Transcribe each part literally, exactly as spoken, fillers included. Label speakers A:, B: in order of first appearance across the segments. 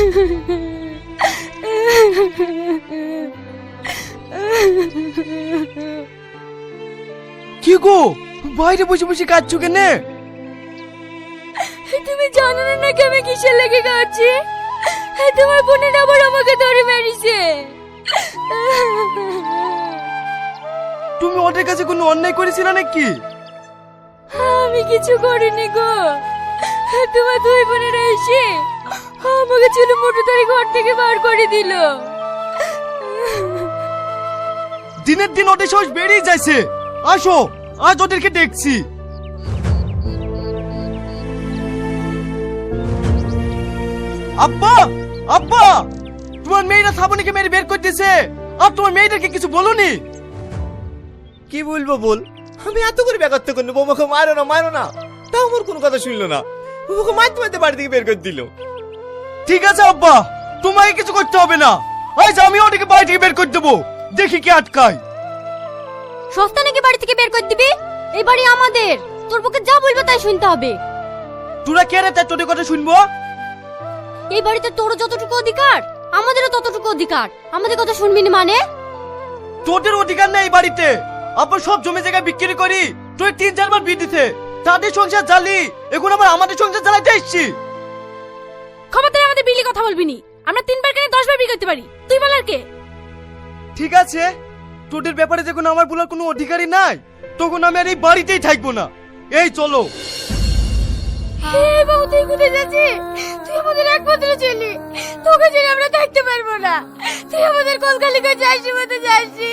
A: কি গো, বাইরে বসে বসে কাঁদছো কেন?
B: তুমি জানো না নাকি আমি কিসের লেগে কাঁদছি? তোমার বোনের আবার আমাকে ধরে মেরেছে।
A: তুমি ওদের কাছে কোনো অন্যায় করেছিলে নাকি?
B: আমি কিছু করিনি গো, তোমার দুই বোনেরা এসে আমাকে চুলো মোটর ধরে ঘর থেকে বার করে দিল।
A: দিনের দিন ওদের সাহস বেড়েই যাচ্ছে। আসো, আজ ওদেরকে দেখছি। আব্বা, আব্বা, তোমার মেয়েরা শ্রাবণীকে মেরে বের করে দিয়েছে, আর তোমার মেয়েদেরকে কিছু বলোনি?
C: কি বলবো বল, আমি এত করে ব্যাঘাত করলো, বৌমাকে মারো না মারো না, তাও আমার কোনো কথা শুনলো না। বৌমাকে মারতে মারতে বাড়ি থেকে বের করে দিল।
A: ঠিক আছে আব্বা, তোমাকে কিছু করতে হবে না। আজ আমি ওদেরকে বাড়ি থেকে বের করে দেবো, দেখি কে আটকায়।
B: সস্তা নাকি বাড়ি থেকে বের করে দিবি? এই বাড়ি আমাদের, তোর পক্ষে যা বলবে তাই শুনতে হবে।
A: তোরা কে রে, তার তোদের কথা শুনবো?
B: এই বাড়িতে তোর যতটুকু অধিকার আমাদেরও ততটুকু অধিকার, আমাদের কথা শুনবি না মানে?
A: তোদের অধিকার নেই এই বাড়িতে। আব্বা সব জমি জায়গা বিক্রি করি তুই তিন চারবার বিয়ে দিতে, তাদের সংসার জ্বালি, এখন আবার আমাদের সংসার জ্বালাইতে এসছি।
B: ক্ষমতায় আমাদের বিলি কথা বলবি নি, আমরা তিনবার কেন দশ বার বিয়ে করতে পারি, তুই বলার কে?
A: ঠিক আছে, তোদের ব্যাপারে যখন আমার বলার কোনো অধিকারই নাই, তখন আমি আর এই বাড়িতেই থাকবো না। এই চলো।
B: এই বাবু, তুই কোথায় যাচ্ছিস? তুই আমাদের একমাত্র ছেলে, তোকে ছেড়ে আমরা থাকতে পারবো না। তুই আমাদের কলকালি করে যাসি মতো যাসি।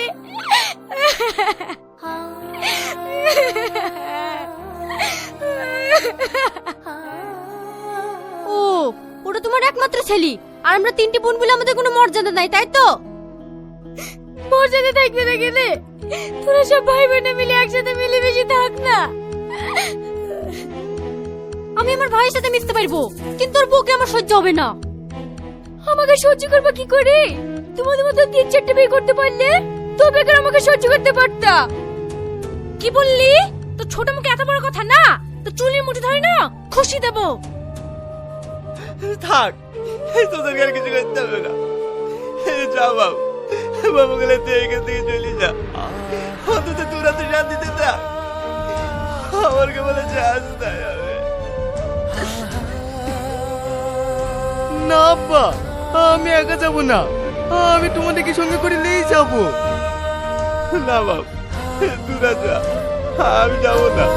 B: ও, ওটা তোমার একমাত্র ছেলে, আর আমরা তিনটি বোন বলে আমাদের কোনো মর্যাদা নাই, তাই তো? মর্যাদা থাকবে না গেলে তোরা সব ভাই বোনে মিলে একসাথে মিলেমিশে থাক না। আমি আমার ভাইয়ের সাথে মিশতে পারবো, কিন্তু তোর বউকে আমার সহ্য হবে না। আমাকে সহ্য করবো কি করে? তোমাদের মতো তিন চারটে বিয়ে করতে পারলে তো বেকার আমাকে সহ্য করতে পারতা। কি বললি? তো ছোট মুখে এত বড় কথা না, তো চুলের মুঠি ধরে না খুশি দেবো।
C: থাক, তোদেরকে আর কিছু করতে হবে না। যা বাবু, বাবু গেলে তুই এখান থেকে চলে যা, অন্তত তোরা তো শান্তিতে থাক। আমাকে বলেছে আজ তাই হবে
A: না আব্বা, আমি একা যাবো না, আমি তোমাদেরকে সঙ্গে করে নিয়েই যাবো।
C: না বাবু, তোরা যা, আমি যাবো না।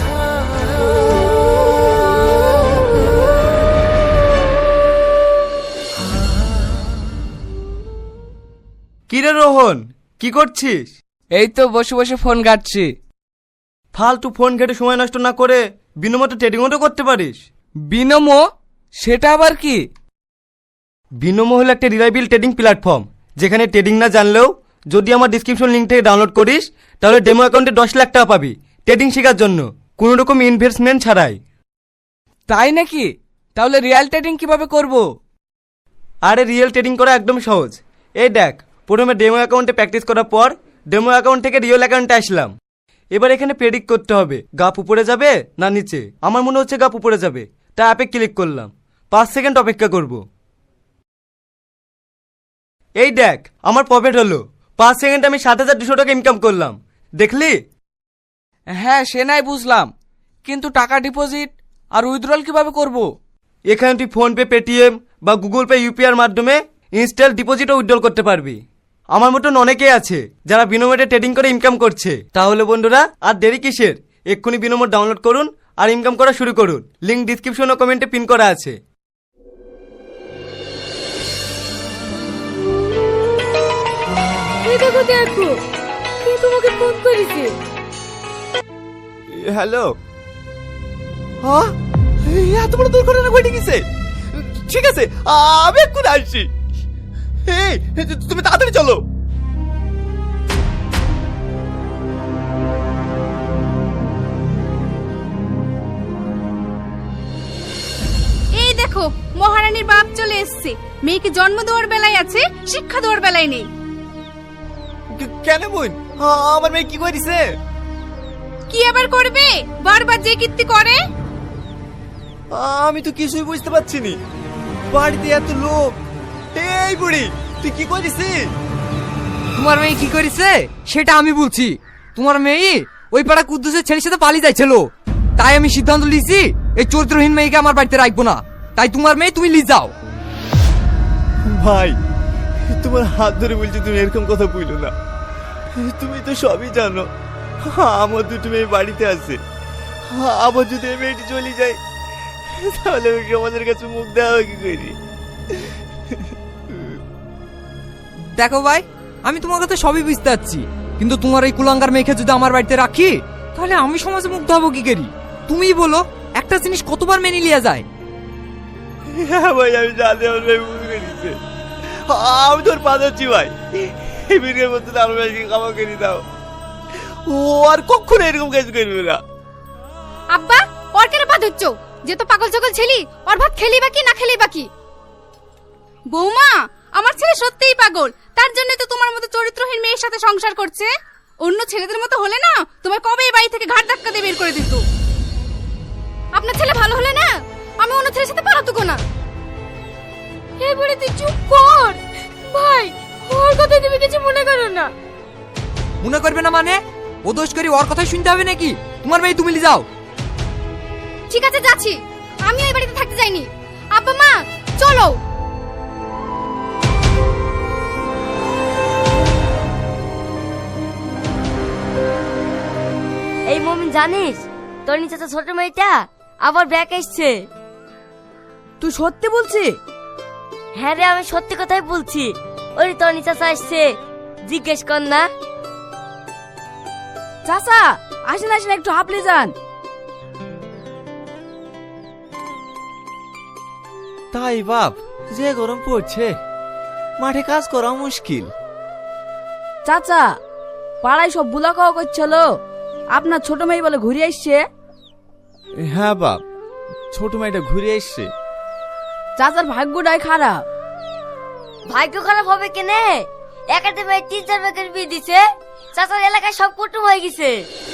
A: কিরে রোহন, কি করছিস?
D: এই তো বসে বসে ফোন ঘাটছি।
A: ফালতু ফোন ঘেটে সময় নষ্ট না করে বিনোমতে ট্রেডিংও তো করতে পারিস।
D: বিনমো? সেটা আবার কি?
A: বিনোমো হলো একটা রিলায়েবল ট্রেডিং প্ল্যাটফর্ম, যেখানে ট্রেডিং না জানলেও যদি আমার ডিসক্রিপশন লিঙ্ক থেকে ডাউনলোড করিস, তাহলে ডেমো অ্যাকাউন্টে দশ লাখ টাকা পাবি ট্রেডিং শেখার জন্য, কোনো রকম ইনভেস্টমেন্ট ছাড়াই।
D: তাই নাকি? তাহলে রিয়েল ট্রেডিং কিভাবে করব?
A: আরে রিয়েল ট্রেডিং করা একদম সহজ। এই দেখ, প্রথমে ডেমো অ্যাকাউন্টে প্র্যাকটিস করার পর ডেমো অ্যাকাউন্ট থেকে রিয়েল অ্যাকাউন্টে আসলাম। এবার এখানে প্রেডিক্ট করতে হবে গাপ উপরে যাবে না নিচে। আমার মনে হচ্ছে গাপ উপরে যাবে, তাই অ্যাপে ক্লিক করলাম। পাঁচ সেকেন্ড অপেক্ষা করব। এই দেখ, আমার প্রফিট হলো। পাঁচ সেকেন্ড আমি সাত হাজার দুশো টাকা ইনকাম করলাম, দেখলি?
D: হ্যাঁ, সে নাই বুঝলাম, কিন্তু টাকা ডিপোজিট আর উইথড্রল কিভাবে করব?
A: এখানে তুই ফোনপে, পেটিএম বা গুগল পে ইউপিআইয়ের মাধ্যমে ইনস্ট্যান্ট ডিপোজিট ও উইথড্রল করতে পারবি। আমার মতন অনেকেই আছে যারা বিনোমোটে ট্রেডিং করে ইনকাম করছে। তাহলে বন্ধুরা আর দেরি কিসের, এক্ষুনি বিনোমোট ডাউনলোড করুন আর ইনকাম করা শুরু করুন। লিংক ডিসক্রিপশন ও কমেন্টে পিন করা আছে।
B: এই দেখো দেখো, কে তোমাকে ফোন করেছে?
C: হ্যালো, হ্যাঁ, এত বড় দুর্ঘটনা ঘটে গেছে। ঠিক আছে, আমি এক্ষুনি আসছি। এই, তুমি তাড়াতাড়ি চলো।
E: এই দেখো, মহারানীর বাপ চলে এসেছে। মেয়েকে জন্ম দেওয়ার বেলায় আছে, শিক্ষা দেওয়ার বেলায় নেই।
C: কেন বোন, আমার মেয়ে কি করেছে?
E: কি আবার করবে? বারবার যে কীর্তি করে।
C: আমি তো কিছুই বুঝতে পারছি না। বাড়িতে এত লোক। এই বুড়ি তুই কি করিস?
D: তোমার মেয়ে কি করেছে সেটা আমি বলছি। তোমার মেয়ে ওই পাড়া কুদ্দুসের ছেলের সাথে পালিয়ে যাচ্ছিল, তাই আমি সিদ্ধান্ত নিয়েছি এই চরিত্রহীন মেয়েকে আমার বাড়িতে রাখবো না। তাই তোমার মেয়ে তুমি নিয়ে যাও।
C: ভাই তোমার হাত ধরে বলছি, তুমি এরকম কথা বললো না। তুমি তো সবই জানো আমার দুটো মেয়ে বাড়িতে আছে। আবার যদি এই মেয়েটি চলে যায় তাহলে ওই সমাজের কাছে মুখ দেওয়া কি করি?
D: দেখো ভাই, আমি তোমার কথা সবই বুঝতে পারছি, কিন্তু তোমার এই কুলাঙ্গার মেয়েকে যদি আমার বাড়িতে রাখি তাহলে আমি সমাজে মুগ্ধ হবো কি করি? তুমিই বলো, একটা জিনিস কতবার মেনে লিয়া যায়?
C: হ্যাঁ ভাই আমি জানি আমার মেয়ে ভুল করেছে। আমি তোর পা ধরছি ভাই, এই বিয়ের মধ্যে আমার মেয়েকে ক্ষমা করে দাও। ও আর কখনো এরকম কাজ করবে না।
E: আব্বা ওর কেন পা ধরছো? যে তো পাগল ছাগল ছেলি, ওর ভাত খেলি বাকি না খেলি বাকি। বৌমা আমার ছেলে সত্যিই পাগল, তার জন্য তো তোমার মতো চরিত্রহীন মেয়ের সাথে সংসার করছে। অন্য ছেলেদের মতো হলে না তোমার কবে এই বাড়ি থেকে ঘাট ধাক্কা দিয়ে বের করে দিত। আপনার ছেলে ভালো হলে না আমি অন্য ছেলের সাথে পালাতো না।
B: এবারে তুই চুপ কর ভাই, ওর কথা তুমি কিছু মনে করো না।
D: মনে করবে না মানে? ও দোষ করি ওর কথাই শুনতে হবে নাকি? তোমার মেয়ে তুমি নিয়ে যাও।
E: ঠিক আছে যাচ্ছি, আমি ওই বাড়িতে থাকতে যাইনি। আব্বা মা চলো।
B: এই মমিন জানিস তোর নিচে তো ছোট মেয়েটা আবার ব্যাক এসছে।
D: তুই সত্যি বলছি?
B: হ্যাঁ রে, আমি সত্যি কথাই বলছি। ওই তোর নিচে আসছে, জিজ্ঞেস কর না।
F: চাচা আসেন আসেন, একটু হাঁপলে যান।
C: তাই বাপ, যে গরম পড়ছে মাঠে কাজ করা মুশকিল।
F: চাচা পাড়ায় সব বুলা খাওয়া করছিল, আপনার ছোট মেয়ে বলে ঘুরে আসছে।
C: হ্যাঁ বাপ, ছোট মেয়েটা ঘুরে এসছে।
F: চাচার ভাগ্যটাই খারাপ।
B: ভাগ্য খারাপ হবে কেনে? একাডেমির তিন চার ভাগের বিয়ে দিছে, চাচার এলাকায় সব কুটুম হয়ে গেছে।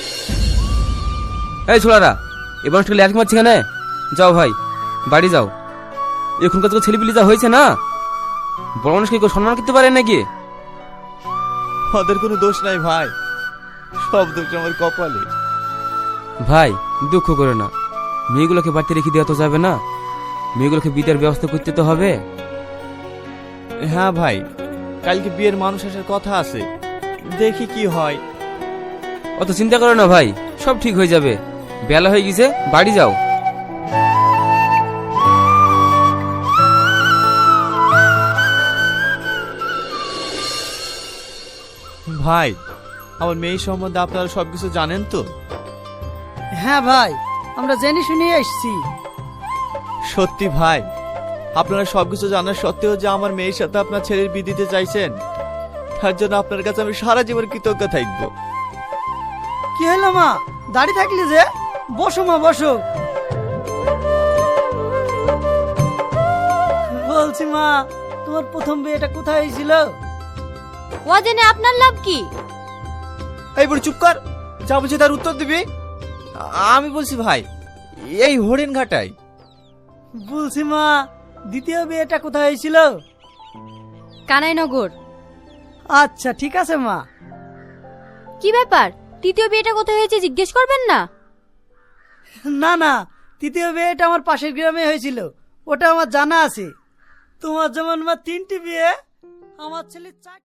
G: এই ছোড়ারা, এবার একটু ল্যাট মারছি কেন? যাও ভাই বাড়ি যাও। এখনকার তো ছেলেপিলি যা হয়েছে না, বড় মানুষকে কেউ সম্মান করতে পারে নাকি?
C: ওদের কোনো দোষ নাই ভাই, সব দোষ আমার কপালে।
G: ভাই দুঃখ করে না, মেয়েগুলোকে বাড়িতে রেখে দেওয়া তো যাবে না, মেয়েগুলোকে বিদায়ের ব্যবস্থা করতে তো হবে।
C: হ্যাঁ ভাই, কালকে বিয়ের মানুষ আসার কথা আছে, দেখি কি হয়।
G: অত চিন্তা করো না ভাই, সব ঠিক হয়ে যাবে। বেলা হয়ে গেছে, বাড়ি যাও।
C: ভাই আমার মেয়ে সম্বন্ধে আপনারা সবকিছু জানেন তো?
H: হ্যাঁ ভাই, আমরা জেনে শুনে এসেছি।
C: সত্যি ভাই, আপনারা সবকিছু জানার সত্ত্বেও যে আমার মেয়ের সাথে আপনার ছেলের বিয়ে দিতে চাইছেন, তার জন্য আপনার কাছে আমি সারা জীবন কৃতজ্ঞ থাকবো।
H: কি হলো মা, দাঁড়িয়ে থাকলি যে? বসো মা বসো। বলছি মা, তোমার প্রথম বিয়েটা কোথায় হয়েছিল?
B: ও জেনে আপনার লাভ কি?
C: এই বড় চুপ কর, যা বলছি তার উত্তর দিবি। আমি বলছি ভাই, এই হরিণ ঘাটাই।
H: বলছি মা, দ্বিতীয় বিয়েটা কোথায় হয়েছিল?
E: কানাইনগর।
H: আচ্ছা ঠিক আছে মা।
B: কি ব্যাপার, তৃতীয় বিয়েটা কোথায় হয়েছে জিজ্ঞেস করবেন না?
H: না না, তৃতীয় বিয়েটা আমার পাশের গ্রামে হয়েছিল, ওটা আমার জানা আছে। তোমার যেমন মা তিনটি বিয়ে, আমার ছেলে চার।